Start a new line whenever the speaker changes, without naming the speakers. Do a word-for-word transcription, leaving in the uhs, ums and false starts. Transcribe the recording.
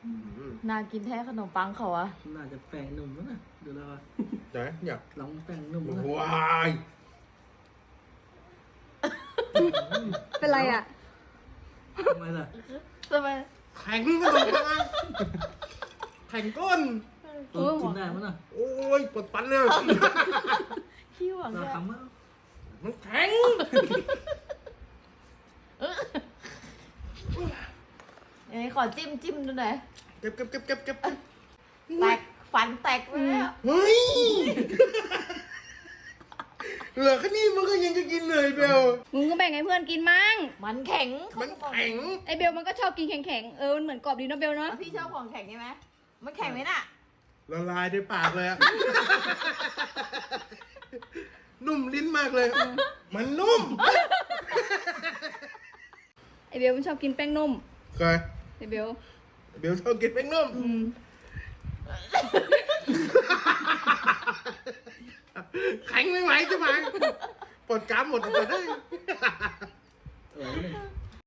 น่ากินแท้ขนมปังเขาอะ
น่าจะแป้งนุ่มแล้วนะดูแล้วว่า
ไหนอยาก
ลองแป้งนุ่มนะ
ว้าย
เป็นไรอ่ะ
ทำไมล่ะ
ทำไม
แข็งขนมปังแข็งก้น
เออกินได้มั้ยน่ะ
โอ้ยปวดฟันเลย
ขี้หวัง
รา
เนี่ย
คามั้ง
มันแข็ง
เอ้ยขอจิ้มจิ้มดูหน่อย
เก็บเก็บเก็บเก็บเก็บ
แตกฟันแตกไปแล้ว
เฮ้ยเหลือแค่นี้มันก็ยังจะกินเลยเบล
มึงก็แบ่งให้เพื่อนกินมั่ง
มันแข็ง
มันแข็ง
ไอเบลมันก็ชอบกินแข็งๆ เออ มันเหมือนกรอบดีเนอะเบลเนาะ
แล้วพี่ชอบของแข็งใช่ไหมมันแข็งไหมน่ะ
ละลายในปากเลยอะนุ่มลิ้นมากเลย มันนุ่ม
ไอเบลมันชอบกินแป้งนุ่ม
เคย
ไอเบล
เบลชอบกินแป้งนุ่ม
อืม
แข็งไม่ไหวจะไหมปวดกรามหมดไปได้
เออนี่